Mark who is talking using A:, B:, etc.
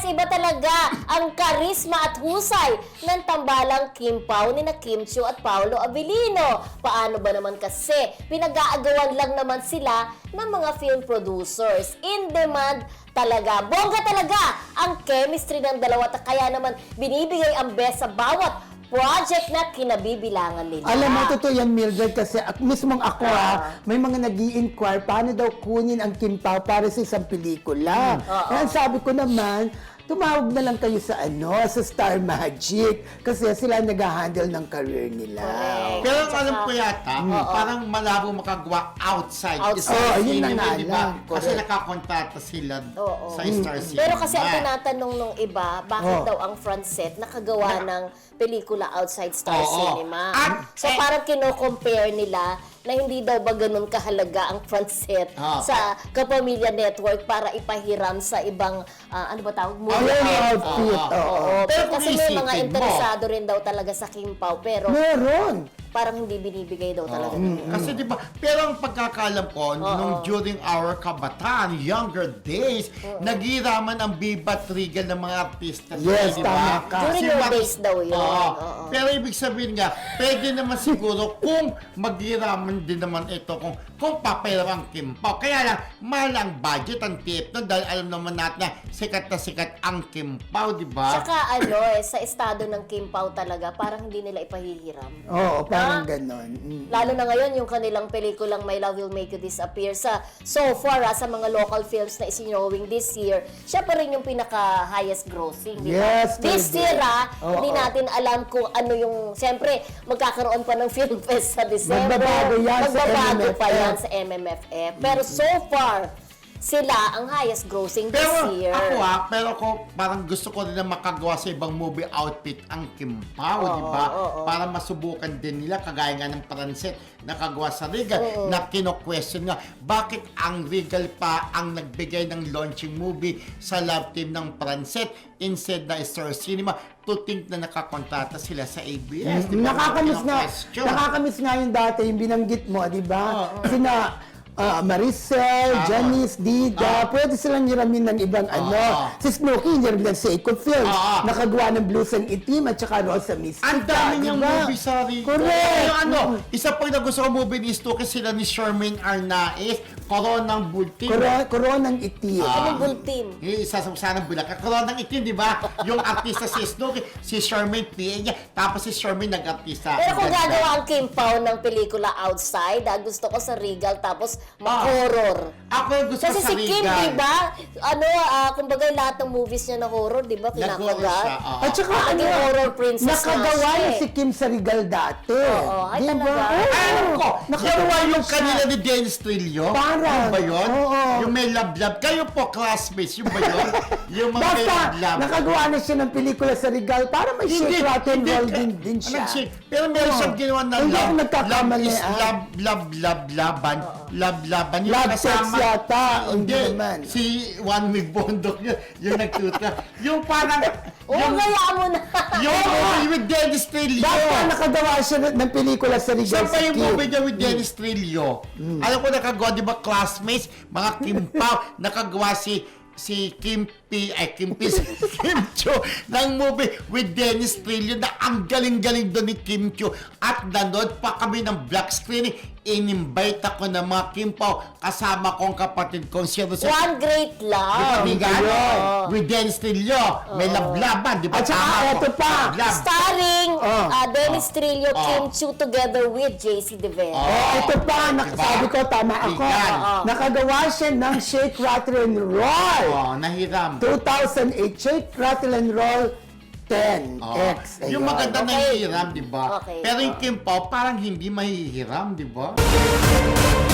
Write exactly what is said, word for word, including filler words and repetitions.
A: iba talaga ang karisma at husay ng tambalang Kim Pao ni na Kim Chiu at Paolo Abilino. Paano ba naman kasi pinag-aagawan lang naman sila ng mga film producers. In demand talaga. Bongga talaga ang chemistry ng dalawa at kaya naman binibigay ang best sa bawat project na kinabibilangan nila.
B: Alam mo, totoo yan, Mildred, kasi ak- mismong ako ha, may mga nag inquire paano daw kunin ang Kim Pao para sa isang pelikula.
A: Oo.
B: Kaya sabi ko naman, tumawag na lang kayo sa ano, sa Star Magic, kasi sila nag-handle ng career nila.
A: Correct.
C: Pero
A: Tsaka-
C: alam ko yata, parang malabo makagawa outside.
A: Outside.
C: Star
B: Oo, yun na
C: Cinema,
B: nga
C: di ba?
B: lang.
C: Kasi
B: Correct.
C: nakakontrata sila
A: Oo.
C: sa Star Cinema.
A: Pero kasi ang tinatanong nung iba, bakit
B: Oh.
A: daw ang Francet nakagawa ng pelikula outside Star
C: Oo.
A: Cinema?
C: At-
A: so
C: eh-
A: parang kino-compare nila na hindi daw ba ganun kahalaga ang Francet
C: Ah.
A: sa Kapamilya Network para ipahiram sa ibang, ah, ano ba tawag? Movie
B: Ayun,
A: outfit.
B: outfit.
A: Oo.
B: Oo.
C: Pero kung
A: Kasi may mga
C: isipin mo-
A: interesado rin daw talaga sa Kim Pao, pero
B: Meron.
A: parang hindi binibigay daw talaga.
C: Kasi di ba, pero ang pagkakalam ko, nung during our kabataan, younger days, nagiraman ang bibat regal ng mga artista.
B: Yes,
C: di
B: tama
C: ba?
B: ka.
A: During
C: Si
A: your
C: Max-
A: days daw yun.
C: Oo.
A: Oo.
C: Pero ibig sabihin nga, pwede naman siguro kung magiraman din naman ito, kung kung papera ang Kim Pao. Kaya lang, mahal ang budget, ang tip nun, dahil alam naman natin na sikat na sikat ang Kim Pao, di ba?
A: Tsaka ano eh, sa estado ng Kim Pao talaga, parang hindi nila ipahihiram.
B: Oo, parang
A: Ah.
B: ganon. Mm.
A: Lalo na ngayon, yung kanilang pelikulang My Love Will Make You Disappear sa so far ah, sa mga local films na isinowing this year, siya pa rin yung pinaka-highest grossing, di ba?
B: Yes,
A: This
B: correct.
A: year ah,
B: Oo.
A: hindi natin alam kung ano yung, siyempre, magkakaroon pa ng film fest sa December.
B: Magbabago yan sa
A: Magbabago
B: M M F F.
A: pa yan sa M M F F. Pero so far, sila ang highest grossing this
C: Pero
A: year.
C: ako ah, pero ko parang gusto ko rin na makagawa sa ibang movie outfit ang Kim Pao,
A: Oo,
C: di ba?
A: oo.
C: Para masubukan din nila, kagaya nga ng Francet, nakagawa sa Regal, na kino-question nga, bakit ang Regal pa ang nagbigay ng launching movie sa love team ng Francet instead na Star Cinema, to think na nakakontrata sila sa A B S. Di ba?
B: Nakakamiss nga,
C: Kino-question.
B: nakakamiss nga yung dati, yung binanggit mo, di ba?
C: Oo.
B: Sina ah, Maricel,
C: Ah.
B: Janice, Dida, pwede silang hiramin ng ibang ano. Si Snooki, hiramin sa Eco Films.
C: Ah.
B: Nakagawa ng Blues and Itim at saka Rosa Mystica.
C: Ang dami niyang
B: diba?
C: movie sa Rico.
B: Correct.
C: Yung ano, isa pang nagusto ko movie ni Stuke, sila ni Shermaine Arnaiz, Coronang Bulting.
B: Koro- Koronang Itim.
C: Ah.
A: Anong bull team?
C: Yung isa sa sanang Bulacan. Coronang Itim, di ba? Yung artista si Stuke, si Shermaine P A niya, tapos si Shermaine nag-artista.
A: Pero kung
C: Ang ganda.
A: gagawa ang Kim Pao ng pelikula outside, ah, gusto ko sa Regal tapos ma-horror.
C: Ako yung gusto
A: Kasi
C: sa
A: si Kim,
C: Regal.
A: di ba? Ano, ah, kumbaga lahat ng movies niya na horror, di ba?
C: Nag-horror
A: Kinakagat.
C: siya, oo.
B: At saka ano,
A: Naging horror princess na
B: nakagawa
A: siya
B: na
A: eh.
B: si Kim sa Regal dati.
A: Oo, ay
B: Di ba?
A: talaga?
B: Oo.
C: Alam ko,
B: Nakagawa
C: yung, yung
B: siya.
C: kanila ni Dennis Trillo.
B: Parang,
C: Yung ba yun?
B: oo.
C: Yung may love-love. Kayo po, classmates. Yung ba yun? Yung mga may
B: Basta,
C: love-love.
B: nakagawa na siya ng pelikula sa Regal para may shake, rock and roll din, din siya.
C: Nag-shake. Pero meron
B: Oo.
C: siyang ginawa na
B: Hindi
C: love.
B: ako nagkakamali,
C: Love is
B: ah.
C: love, love, love, laban. Love, laban. Yung
B: Love
C: kasama-
B: sex yata. Hindi naman.
C: Si One Week Bondok yun. Yung nagtutra. Yung parang...
A: Oo,
C: yung,
A: gaya mo na.
C: yung movie with Dennis Trillo.
B: Basta nakagawa siya ng ng pelikula sa Regal
C: Saan pa
B: si
C: yung
B: Kim.
C: movie niya with Dennis Trillo? Alam ko nakagawa, di ba, classmates, mga Kim Pao, nakagawa si si Kim P, ay Kim P, si Kim Cho ng movie with Dennis Trillo na ang galing-galing doon ni Kim Cho. At nanood pa kami ng black screening. In-invite ako ng mga Kim Pao kasama kong kapatid kong si Rosel.
A: One Great
C: Di ba,
A: Love.
C: Bigan?
A: Oo.
C: With Dennis Trillo. May love-laban, di ba?
B: At saka,
C: Tama ko.
B: eto pa.
C: Love.
A: Starring
B: Oh.
A: ah, Dennis Trillo,
C: Oh.
A: Kim Chiu together with J C De Vera.
B: Oh, ito pa,
C: Diba?
B: nakasabi ko, tama ako.
C: Bigan.
A: Oo.
B: Nakagawa siya ng Shake, Rattle, and Roll.
C: Oh, nahiram.
B: two thousand eight, Shake, Rattle, and Roll ten
C: Oh.
B: X.
C: Yung
B: Ayun.
C: maganda
A: Okay.
C: nahihiram, di ba?
A: Okay.
C: Pero yung Kim Pao, parang hindi mahihiram, di ba?